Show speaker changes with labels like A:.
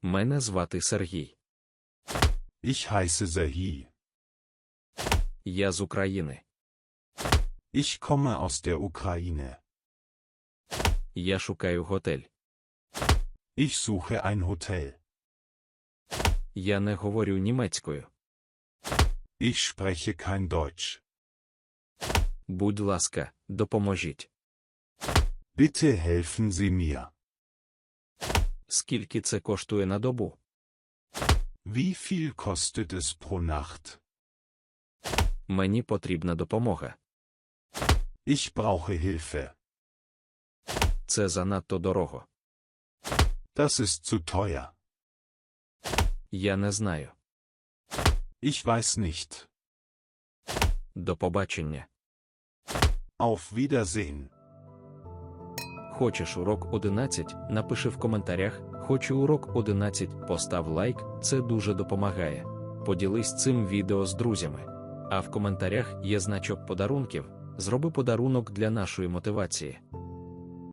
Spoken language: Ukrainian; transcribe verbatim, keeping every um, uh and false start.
A: Мене звати Сергій.
B: Ich heiße Serhii.
A: Я з України.
B: Ich komme aus der Ukraine.
A: Я шукаю готель.
B: Ich suche ein Hotel.
A: Я не говорю німецькою.
B: Ich spreche kein Deutsch.
A: Будь ласка, допоможіть.
B: Bitte helfen Sie mir.
A: Скільки це коштує на добу?
B: Wie viel kostet es pro Nacht?
A: Мені потрібна допомога.
B: Ich brauche Hilfe.
A: Це занадто дорого.
B: Das ist zu teuer.
A: Я не знаю.
B: Ich weiß nicht.
A: До побачення.
B: Auf Wiedersehen.
A: Хочеш урок одинадцять? Напиши в коментарях «Хочу урок одинадцять», постав лайк, це дуже допомагає. Поділись цим відео з друзями. А в коментарях є значок подарунків, зроби подарунок для нашої мотивації.